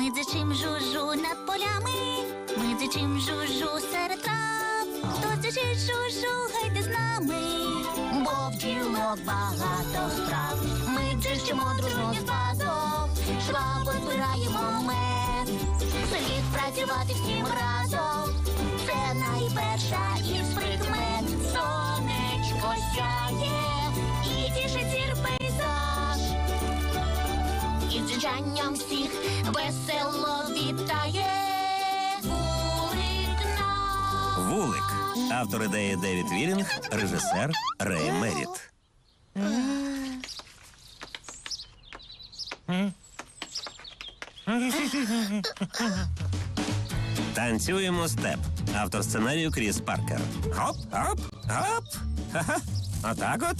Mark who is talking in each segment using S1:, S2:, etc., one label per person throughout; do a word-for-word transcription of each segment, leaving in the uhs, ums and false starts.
S1: Ми дзичим жужу над полями, ми дзичим жужу серед трав. Хто дзичить жужу, гайте з нами, бо в ділок багато справ. Ми дзичимо дружно з базом, швабо збираємо мед. Слід працювати всім разом, це найперша із прикмет. Сонечко сяє і тішить зір пейзаж. І дзижанням всіх весело вітає вулик наш.
S2: Вулик. Автор ідеї Девід Вілінг, режисер Рей Меріт. Танцюємо степ. Автор сценарію Кріс Паркер. Хоп, хоп, хоп. Ха-ха. Отак от.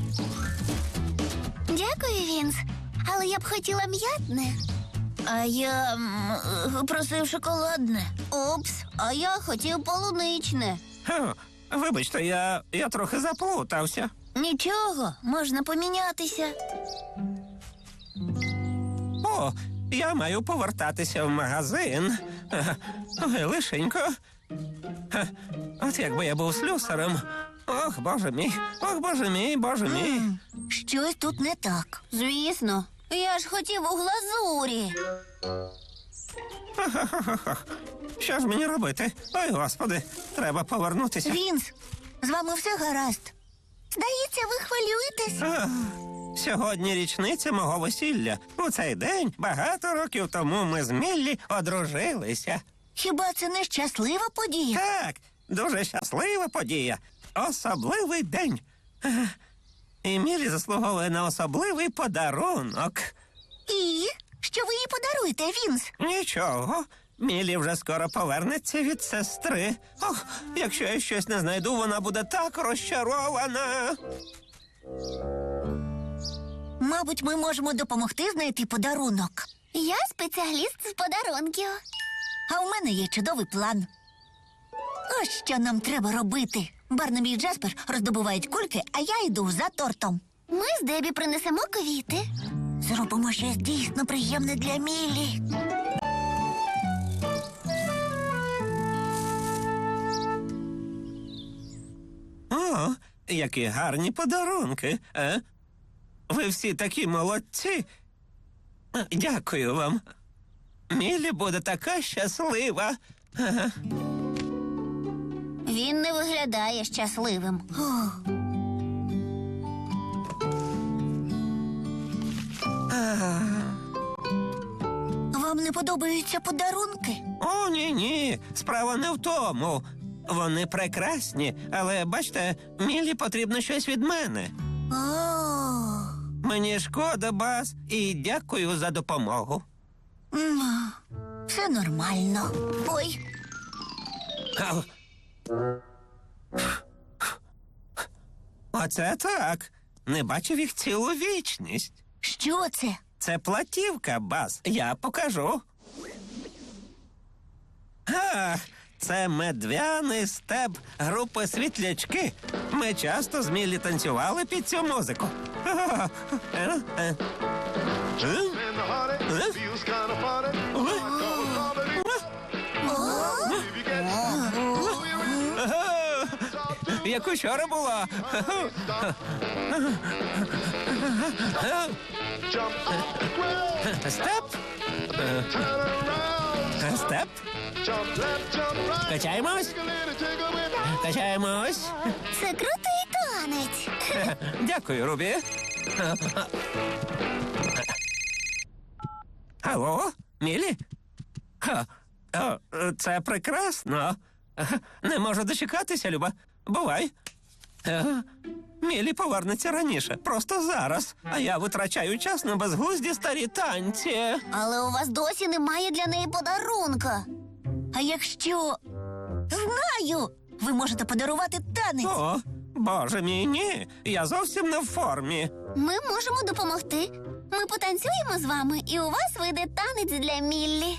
S1: Дякую, Вінс. Але я б хотіла м'ятне. А я м, просив шоколадне. Упс, а я хотів полуничне.
S2: Хе, Вибачте, я, я трохи заплутався.
S1: Нічого, можна помінятися.
S2: О, я маю повертатися в магазин. Ага. Ой, лишенько. Ха, От якби я був слюсарем. Ох, боже мій, ох, боже мій, боже мій.
S1: Щось тут не так. Звісно. Я ж хотів у глазурі.
S2: Що ж мені робити? Ой, господи, треба повернутися.
S1: Вінс, з вами все гаразд. Здається, ви хвилюєтесь.
S2: Ах, Сьогодні річниця мого весілля. У цей день багато років тому ми з Міллі одружилися.
S1: Хіба це не щаслива подія?
S2: Так, дуже щаслива подія. Особливий день. Ах, І Міллі заслуговує на особливий подарунок.
S1: І? Що ви їй подаруєте, Вінс?
S2: Нічого. Міллі вже скоро повернеться від сестри. Ох, якщо я щось не знайду, вона буде так розчарована.
S1: Мабуть, ми можемо допомогти знайти подарунок. Я спеціаліст з подарунків. А у мене є чудовий план. Ось що нам треба робити. Барнабі і Джаспер роздобувають кульки, а я йду за тортом. Ми з Дебі принесемо квіти. Зробимо щось дійсно приємне для Міллі.
S2: О, які гарні подарунки. Е? Ви всі такі молодці. Е, Дякую вам. Міллі буде така щаслива. Ага.
S1: Він не виглядає щасливим. Вам не подобаються подарунки?
S2: О, ні-ні, справа не в тому. Вони прекрасні, але, бачите, Міллі потрібно щось від мене.
S1: О,
S2: Мені шкода, Баз, і дякую за допомогу.
S1: м, все нормально. Ой,
S2: Ау. Оце так. Не бачив їх цілу вічність.
S1: що це?
S2: Це платівка, Баз. Я покажу. Ах, це медвяний степ групи «Світлячки». Ми часто з Міллі танцювали під цю музику. Е, е. Е?
S3: In the hearty,
S2: Huh?
S3: feels kind of funny. I call it comedy. If you get
S2: Ага. Як учора було.
S3: jump off the ground,
S2: Степ,
S3: turn around,
S2: степ.
S3: jump left, jump right,
S2: Качаємось,
S3: take a little tickle with
S2: качаємось.
S1: Це крутий танець.
S2: Дякую, Рубі. Алло, Міллі? Ха, о, це прекрасно. Не можу дочекатися, Люба. Бувай. Ага. Міллі повернеться раніше, просто зараз. А я витрачаю час на безглузді старі танці.
S1: Але у вас досі немає для неї подарунка. А якщо... Знаю! Ви можете подарувати танець.
S2: О, боже мій, ні. Я зовсім не в формі.
S1: Ми можемо допомогти. Ми потанцюємо з вами, і у вас вийде танець для Міллі.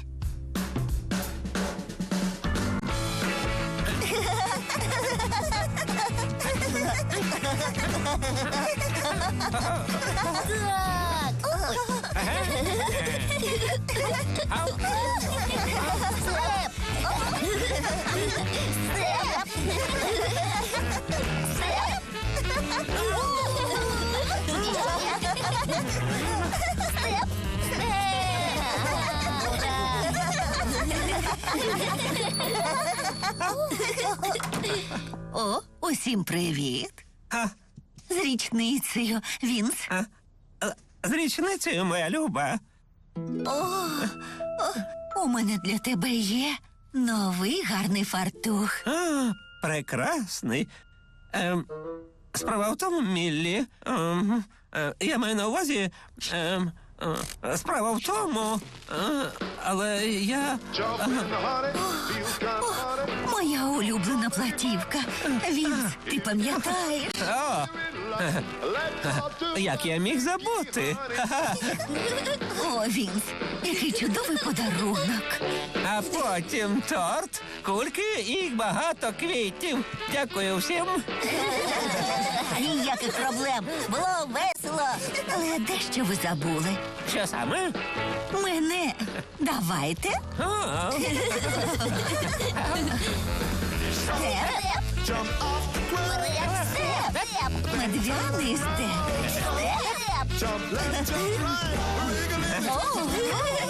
S1: Так.
S4: О, усім привіт.
S2: А,
S4: З річницею, Вінс.
S2: а, а, з річницею, моя люба.
S4: У мене для тебе є новий гарний фартух.
S2: А, прекрасний. Ем, справа в тому, Міллі. Ем, е, я маю на увазі. Ем, е, справа в тому. Е, але я.
S3: Jump in the honey, feels kind of funny.
S4: Моя улюблена платівка. Вінс, ти пам'ятаєш?
S2: О,
S3: Let's talk to
S2: як я міг забути. Ха-ха.
S4: О, Вінс, який чудовий подарунок.
S2: А потім торт, кульки і багато квітів. Дякую всім.
S4: Ніяких проблем. Було весело. Але дещо ви забули.
S2: Що саме?
S4: Мене. Давайте.
S2: О,
S4: Степ.
S3: jump off the cliff.
S4: Степ. Медвяний степ. Степ.
S3: Jump left, jump right. Wiggle it.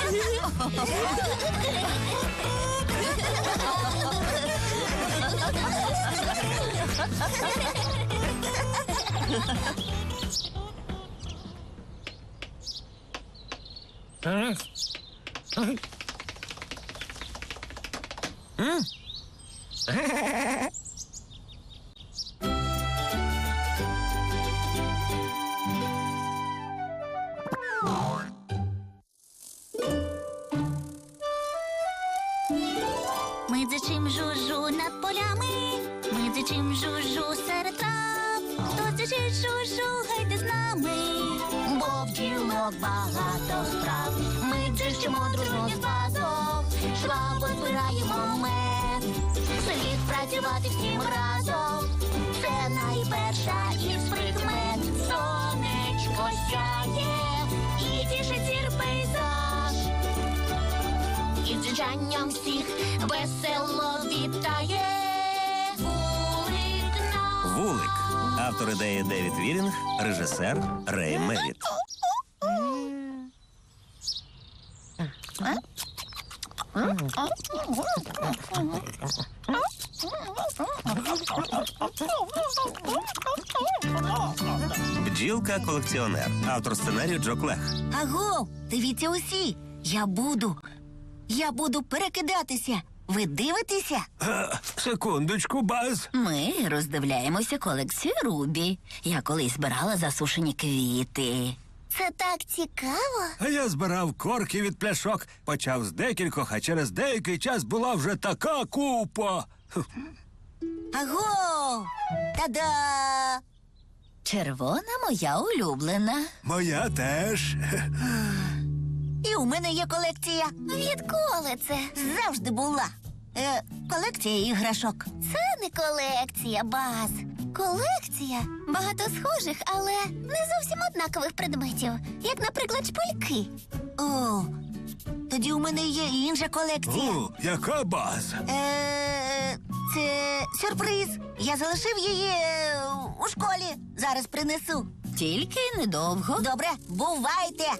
S1: Ми дзичим жужу над полями, ми дзичим жужу серед трав. Хто дзичить жужу, гайте з нами, бо в ділок багато справ. Ми дзичимо дружно з басом, швабо збираємо мед. Слід працювати всім разом, це найперша із прикмет. Сонечко сяє і тішить зір пейзаж. І дзижанням всіх весело вітає вулик нам.
S2: Вулик. Автор ідеї Девід Вілінг, режисер Рей Меріт. Бджілка-колекціонер. Автор сценарію Джо Клех.
S4: Аго, дивіться усі. Я буду. Я буду перекидатися. Ви дивитеся?
S2: Секундочку, Баз.
S4: Ми роздивляємося колекцію Рубі. Я колись збирала засушені квіти.
S1: Це так цікаво.
S5: А я збирав корки від пляшок, почав з декількох, а через деякий час була вже така купа.
S4: Аго! Та-да! Червона моя улюблена.
S5: Моя теж.
S4: І у мене є колекція.
S1: Відколи це?
S4: Завжди була. Е, колекція іграшок.
S1: Це не колекція, Баз. Колекція багато схожих, але не зовсім однакових предметів, як, наприклад, шпильки.
S4: О, тоді у мене є інша колекція.
S5: О, яка база?
S4: Е, це сюрприз. Я залишив її е, у школі. Зараз принесу. Тільки недовго. Добре, бувайте.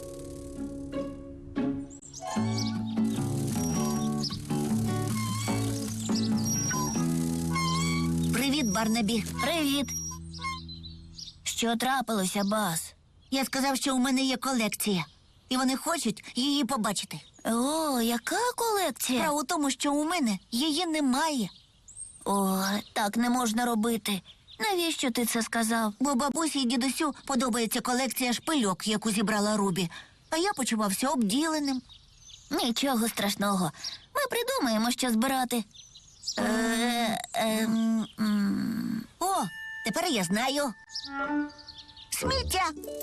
S4: Привіт, Барнабі. Привіт. Що трапилося, Бас? Я сказав, що у мене є колекція. І вони хочуть її побачити. О, яка колекція? Справа у тому, що у мене її немає. О, так не можна робити. Навіщо ти це сказав? Бо бабусі і дідусю подобається колекція шпильок, яку зібрала Рубі. А я почувався обділеним. Нічого страшного. Ми придумаємо, що збирати. Е, ем, м. О, тепер я знаю. Сміття.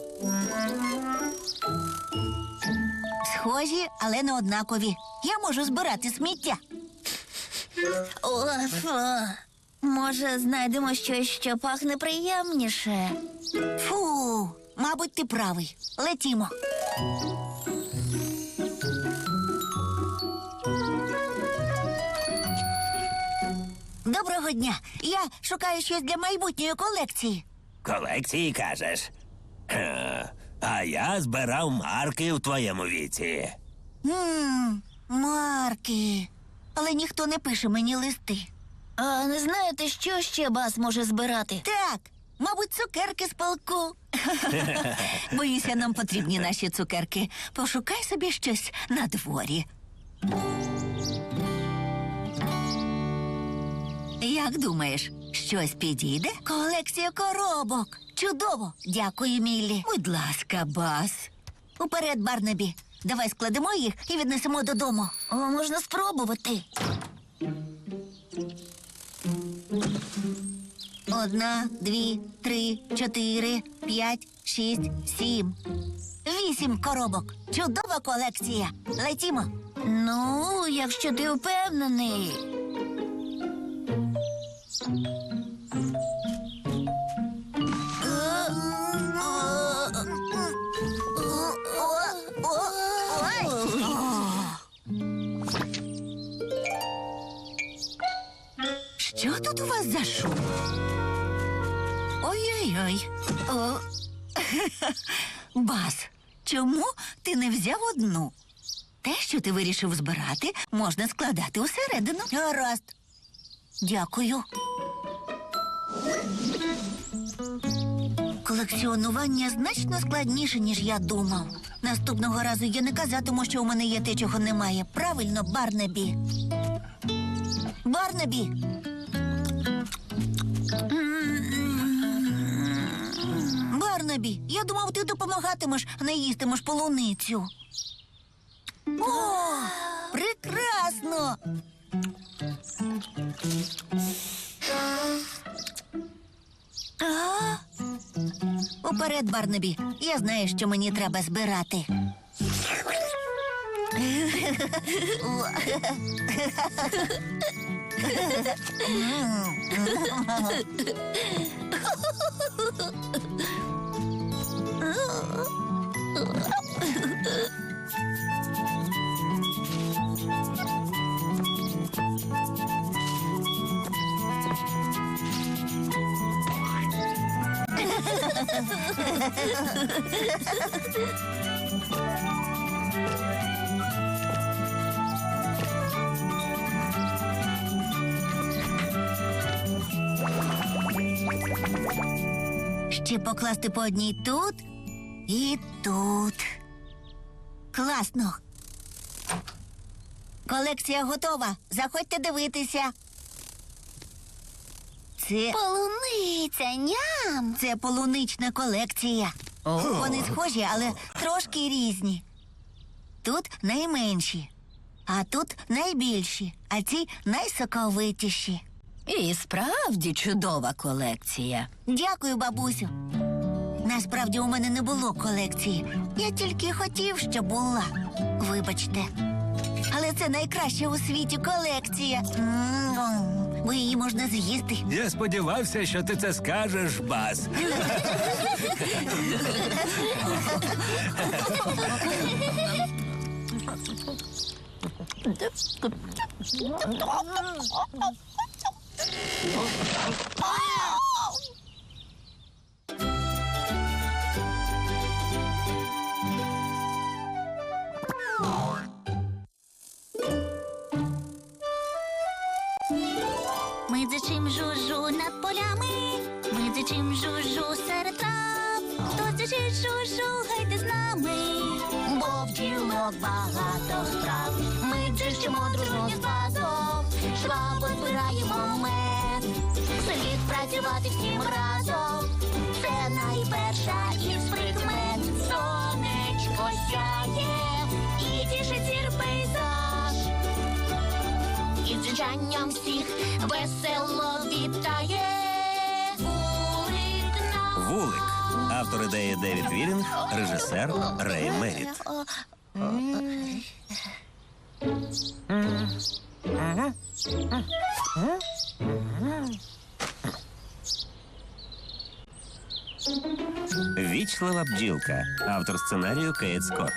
S4: Схожі, але не однакові. Я можу збирати сміття. О, фу. Може, знайдемо щось, що пахне приємніше. Фу, Мабуть, ти правий. Летімо. Доброго дня. Я шукаю щось для майбутньої колекції.
S2: Колекції, кажеш? Е, А я збирав марки у твоєму віці.
S4: Ммм, марки. Але ніхто не пише мені листи.
S1: А не знаєте, що ще Бас може збирати?
S4: Так, мабуть, цукерки з полку. Боюся, нам потрібні наші цукерки. Пошукай собі щось на дворі. Як думаєш, щось підійде? Колекція коробок. Чудово. Дякую, Міллі. Будь ласка, Бас. Уперед, Барнабі. Давай складемо їх і віднесемо додому.
S1: О, можна спробувати.
S4: Одна, дві, три, чотири, п'ять, шість, сім. Вісім коробок. Чудова колекція. Летімо.
S1: Ну, якщо ти впевнений.
S4: Що тут у вас за шум? Ой-ой-ой. О. Бас, чому ти не взяв одну? Те, що ти вирішив збирати, можна складати усередину. Гаразд. Дякую. Колекціонування значно складніше, ніж я думав. Наступного разу я не казатиму, що у мене є те, чого немає. Правильно, Барнабі. Барнабі! Барнабі, я думав, ти допомагатимеш, а не їстимеш полуницю. О, прекрасно! А? Уперед, Барнабі. Я знаю, що мені треба збирати. Ще покласти по одній тут і тут. Класно. Колекція готова. Заходьте дивитися. Це,
S1: Полуниця, ням!
S4: це полунична колекція. Вони схожі, але трошки різні. Тут найменші, а тут найбільші, а ці найсоковитіші.
S1: І справді чудова колекція.
S4: Дякую, бабусю. Насправді у мене не було колекції. Я тільки хотів, щоб була. Вибачте. Але це найкраща у світі колекція. М-м-м. Бо її можна з'їсти.
S5: Я сподівався, що ти це скажеш, Бас.
S1: Ми дзичим жужу над полями, ми дзичим жужу серед трав. Хто дзичить жужу, гайте з нами, бо в ділок багато справ. Ми дзичимо дружно з басом, швабо збираємо мед. Слід працювати всім разом, це найперша із прикмет. Сонечко сяє і тішить зір пейзаж. І дзижанням всіх весело вітає вулик нам.
S2: Вулик. Автор ідеї Девід Вілінг, режисер Рей Меріт. Вічлива бджілка. Автор сценарію Кейт Скотт.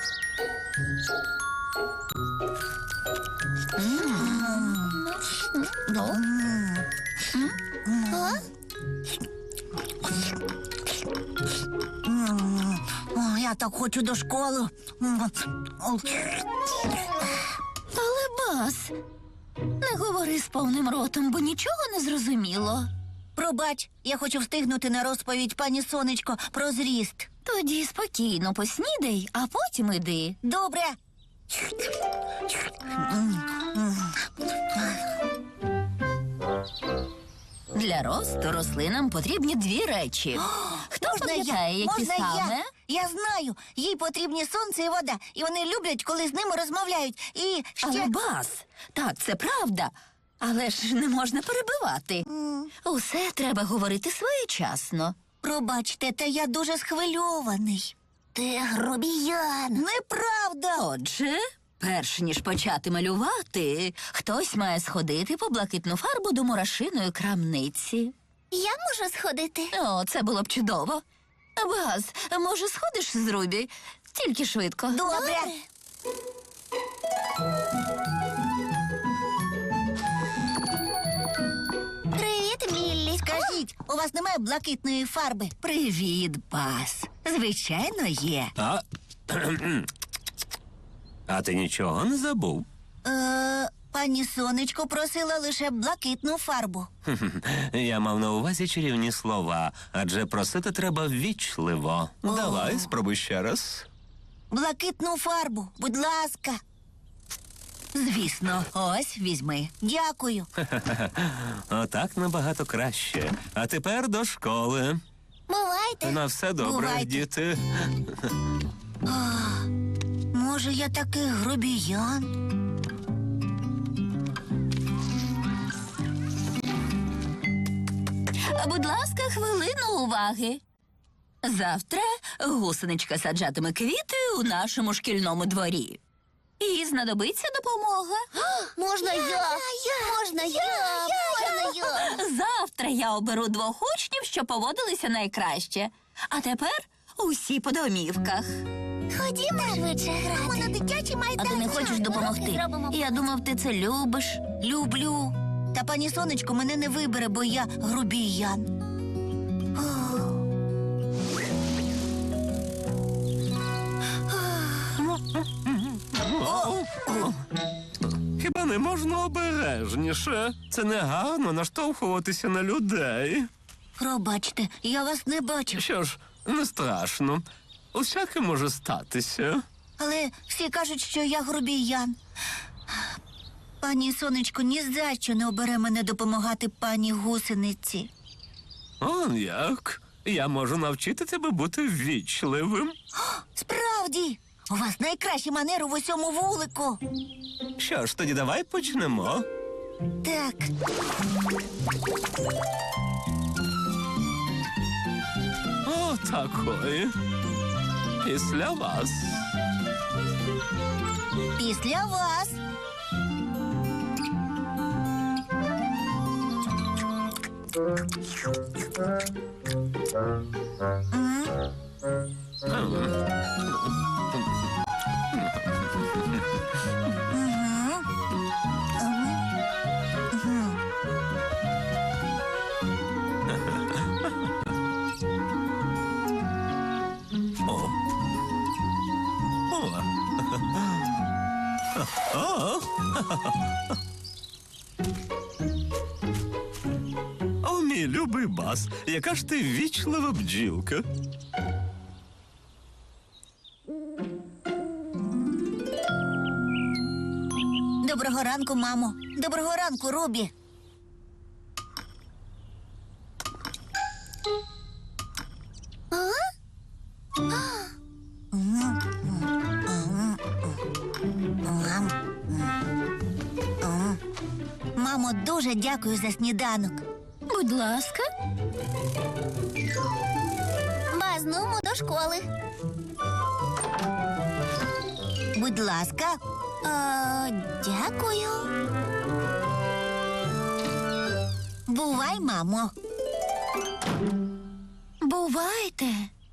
S4: О, я так хочу до школи.
S1: Але Бас, не говори з повним ротом, бо нічого не зрозуміло.
S4: Пробач, я хочу встигнути на розповідь пані Сонечко про зріст.
S1: Тоді спокійно поснідай, а потім іди.
S4: Добре.
S1: Для росту рослинам потрібні дві речі. Хто
S4: Можна я?
S1: пам'ятає, які
S4: Можна
S1: саме?
S4: я? Я знаю. Їй потрібні сонце і вода. І вони люблять, коли з ними розмовляють. І ще...
S1: Але Бас, так, це правда. Але ж не можна перебивати. Усе треба говорити своєчасно.
S4: Пробачте, та я дуже схвильований. Ти грубіян. Неправда.
S1: Отже, перш ніж почати малювати, хтось має сходити по блакитну фарбу до мурашиної крамниці.
S4: Я можу сходити.
S1: О, це було б чудово. Баз, може, сходиш з Рубі? Тільки швидко.
S4: Добре. Привіт, Міллі. Скажіть, у вас немає блакитної фарби?
S1: Привіт, Бас. Звичайно, є.
S2: А? А ти нічого не забув?
S4: Е, пані Сонечко просила лише блакитну фарбу.
S2: Я мав на увазі чарівні слова, адже просити треба ввічливо. Давай, спробуй ще раз.
S4: Блакитну фарбу, будь ласка.
S1: Звісно, ось візьми.
S4: Дякую.
S2: Отак набагато краще. А тепер до школи.
S4: Бувайте.
S2: На все добре,
S4: Бувайте.
S2: діти.
S4: Може, я такий грубіян?
S1: Будь ласка, хвилину уваги. Завтра гусеничка саджатиме квіти у нашому шкільному дворі. І знадобиться допомога.
S4: Можна я? Можна я? Можна я?
S1: Завтра я оберу двох учнів, що поводилися найкраще. А тепер усі по домівках.
S4: Ходімо швидше грати. На дитячий майданчик.
S1: А ти не хочеш допомогти? Я думав, ти це любиш.
S4: Люблю. Та пані Сонечко мене не вибере, бо я грубіян.
S2: Хіба не можна обережніше? Це не гарно наштовхуватися на людей.
S4: Пробачте, я вас не бачив.
S2: Що ж, не страшно. Усяке може статися.
S4: Але всі кажуть, що я грубіян. Пані Сонечко ні за що не обере мене допомагати пані гусениці.
S2: Он як? Я можу навчити тебе бути ввічливим.
S4: Справді, у вас найкращі манери в усьому вулику.
S2: Що ж, тоді давай почнемо.
S4: Так.
S2: О, такої. Після вас.
S4: Після вас.
S2: О. О. О. О, мій любий Бас, яка ж ти вічлива бджілка.
S4: Доброго ранку, мамо. Доброго ранку, Рубі. Мамо, дуже дякую за сніданок.
S1: Будь ласка.
S4: Баз, нумо до школи. Будь ласка. А, дякую. Бувай, мамо.
S1: Бувай.
S4: Бувайте.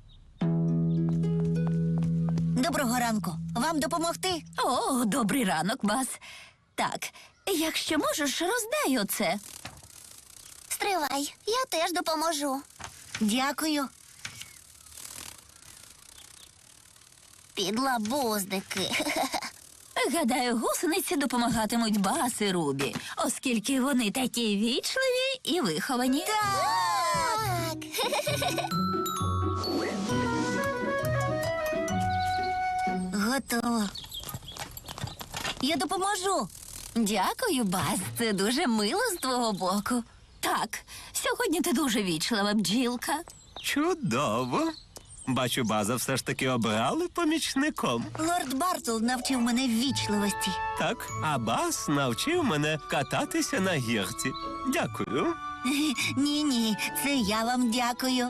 S4: Доброго ранку. Вам допомогти?
S6: О, добрий ранок, Баз. Так, якщо можеш, роздай оце.
S1: Стривай, я теж допоможу.
S4: Дякую.
S1: Підлабуздики.
S6: Гадаю, гусениці допомагатимуть Баз і Рубі, оскільки вони такі вічливі і виховані.
S1: Так.
S4: Готово. Я допоможу.
S6: Дякую, Баз. Це дуже мило з твого боку. Так, сьогодні ти дуже вічлива, бджілка.
S2: Чудово. Бачу, База все ж таки обрали помічником.
S4: Лорд Бартл навчив мене ввічливості.
S2: Так, а Баз навчив мене кататися на гірці. Дякую.
S4: Ні-ні, це я вам дякую.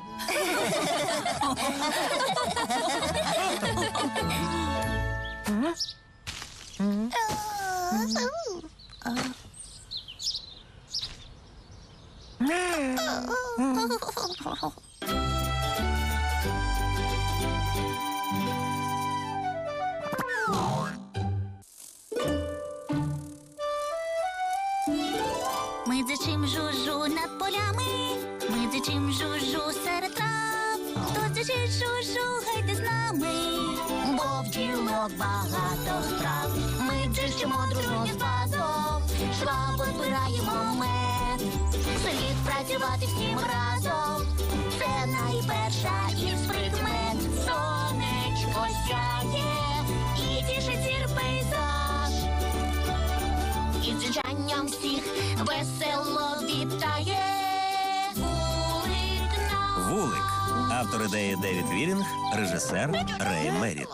S1: Ми дзичим жужу над полями, ми дзичим жужу серед трав. Хто дзичить жужу, гайте з нами, бо в ділок багато справ. Ми дзичимо дружно з базом, швабо збираємо мед. Слід працювати всім разом, це найперша із прикмет. Сонечко сяє і тішить зір пейзаж. І дзижанням всіх весело вітає вулик наш.
S2: Вулик. Автор ідеї Девід Вірінг, режисер Рей Меріт.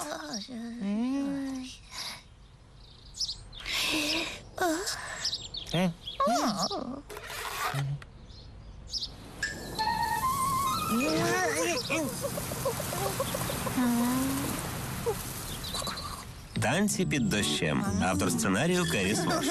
S2: Танці під дощем. Автор сценарію Керрі Свош.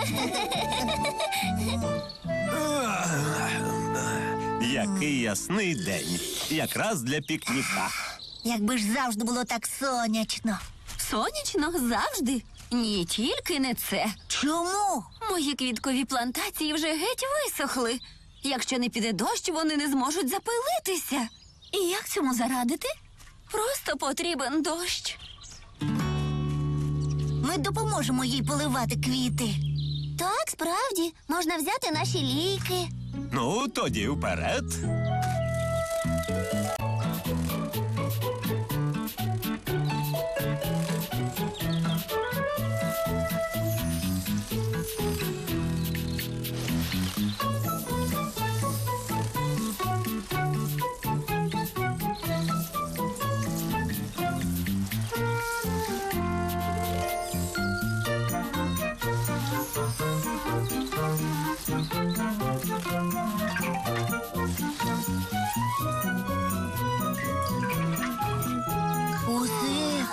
S2: Який ясний день. Якраз для пікніка.
S4: Якби ж завжди було так сонячно.
S6: Сонячно завжди. Ні, тільки не це.
S4: Чому?
S6: Мої квіткові плантації вже геть висохли. Якщо не піде дощ, вони не зможуть запилитися. І як цьому зарадити? Просто потрібен дощ.
S4: Ми допоможемо їй поливати квіти.
S1: Так, справді, можна взяти наші ліки.
S2: Ну, тоді вперед.
S4: Усе.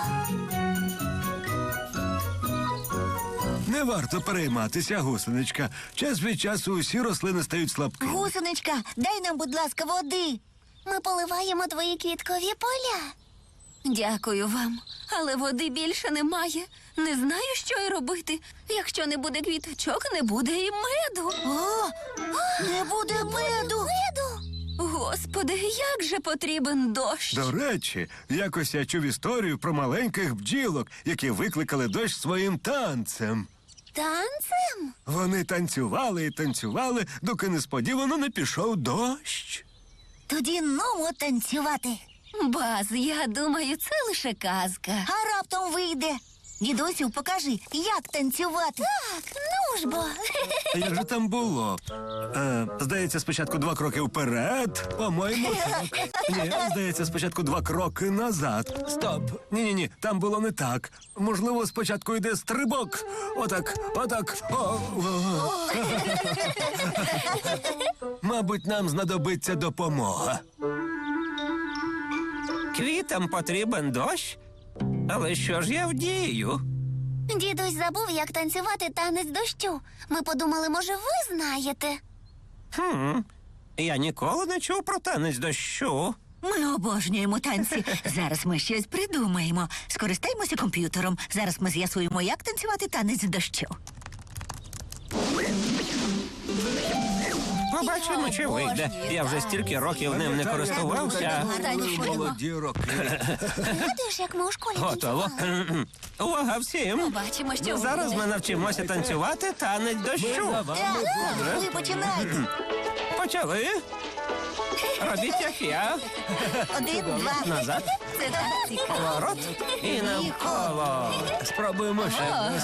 S5: Не варто перейматися, гусеничка. Час від часу усі рослини стають слабкими.
S4: Гусеничка, дай нам, будь ласка, води.
S1: Ми поливаємо твої квіткові поля.
S6: Дякую вам. Але води більше немає. Не знаю, що й робити. Якщо не буде квіточок, не буде і меду.
S4: О, не буде меду.
S6: Господи, як же потрібен дощ.
S5: До речі, якось я чув історію про маленьких бджілок, які викликали дощ своїм танцем.
S1: Танцем?
S5: Вони танцювали і танцювали, доки несподівано не пішов дощ.
S4: Тоді нумо танцювати.
S6: Баз, я думаю, це лише казка.
S4: А раптом вийде. Дідусю, покажи, як танцювати.
S1: Так, ну ж бо.
S5: А як же там було? Е, здається, спочатку два кроки вперед. По-моєму, так. Ні, здається, спочатку два кроки назад. Стоп. Ні-ні-ні, там було не так. Можливо, спочатку йде стрибок. Отак, отак. О, о. Мабуть, нам знадобиться допомога.
S2: Квітам потрібен дощ? Але що ж я вдію?
S1: Дідусь забув, як танцювати танець дощу. Ми подумали, може, ви знаєте.
S2: Хм, я ніколи не чув про танець дощу.
S4: Ми обожнюємо танці. Зараз ми щось придумаємо. Скористаємося комп'ютером. Зараз ми з'ясуємо, як танцювати танець дощу.
S2: Побачимо, чи вийде. Я вже стільки років ним не користувався.
S5: Молоді роки.
S1: Згадуєш, як ми у школі
S2: Готово.
S1: танцювали?
S2: Увага всім!
S6: Побачимо, що
S2: Зараз
S6: вийде.
S2: ми навчимося танцювати танець дощу.
S4: Ви починайте.
S2: Почали. Робіть, як я.
S4: Один, два.
S2: Назад,
S6: Це так цікаво.
S2: поворот і навколо.
S5: Спробуємо ще раз.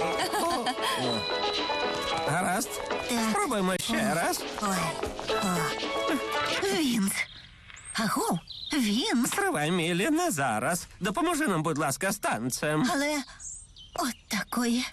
S2: Гаразд. Спробуємо ще раз.
S4: Ой. О. Вінс. Аго, Вінс.
S2: Стривай, Мілі, не зараз. Допоможи нам, будь ласка, з танцем.
S4: Але от такої.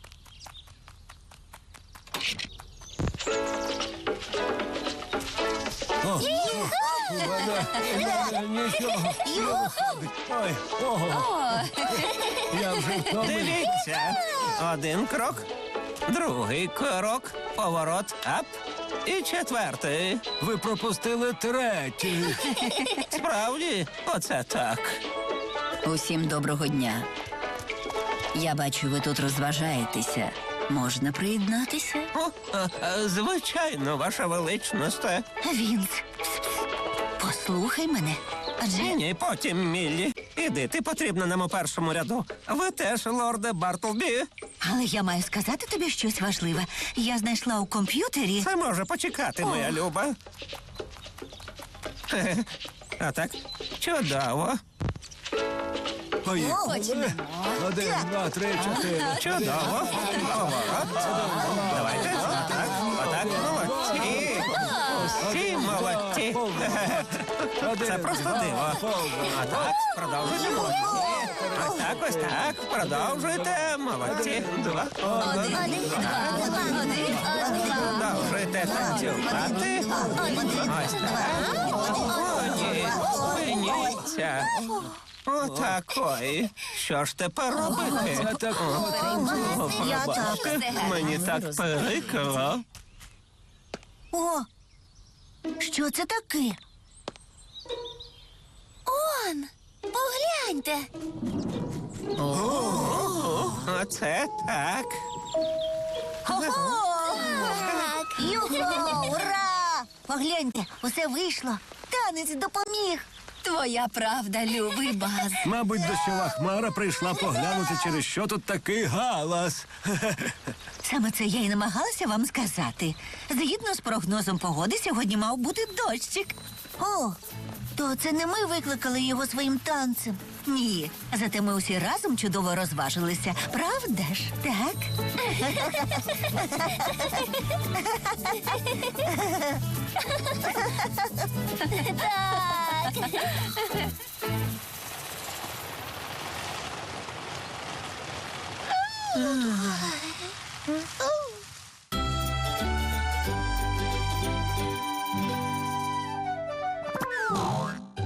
S5: Нічого. Ой, ого. Я вже втомився.
S2: Дивіться. Один крок, другий крок, поворот, ап. І четвертий.
S5: Ви пропустили третій.
S2: Справді, оце так.
S6: Усім доброго дня. Я бачу, ви тут розважаєтеся. Можна приєднатися?
S2: О, а, а, звичайно, ваша величність.
S4: Вінс. Послухай мене. Адже
S2: Ні, ні, потім, Міллі. Іди, ти потрібна нам у першому ряду. Ви теж, лорде Бартлбі.
S4: Але я маю сказати тобі щось важливе. Я знайшла у комп'ютері.
S2: Це може почекати, моя люба. Хе-хе. А так, чудово,
S5: Поїхали. Один, два, три, чотири.
S2: чудово. Поворот. Давайте. Отак, отак, молодці. Усі молодці. Хе-хе. Це просто диво. А так, продовжуйте. Ось так, ось так. Продовжуйте. Молодці. Два. Один. Продовжуйте танцювати. Ось так. Молоді. Спиніться. Отакої. Що ж тепер робити?
S5: Це так
S2: О,
S4: Я
S2: пробачте, мені так прикро.
S4: О! Що це таке?
S1: Он, погляньте.
S2: Оце так.
S4: Юху! Ура! Погляньте, усе вийшло. Танець допоміг.
S6: Твоя правда, любий баз.
S5: Мабуть, дощова хмара прийшла поглянути, через що тут такий галас.
S4: Саме це я й намагалася вам сказати. Згідно з прогнозом погоди, сьогодні мав бути дощик. О, то це не ми викликали його своїм танцем. Ні, зате ми усі разом чудово розважилися. Правда ж? Так?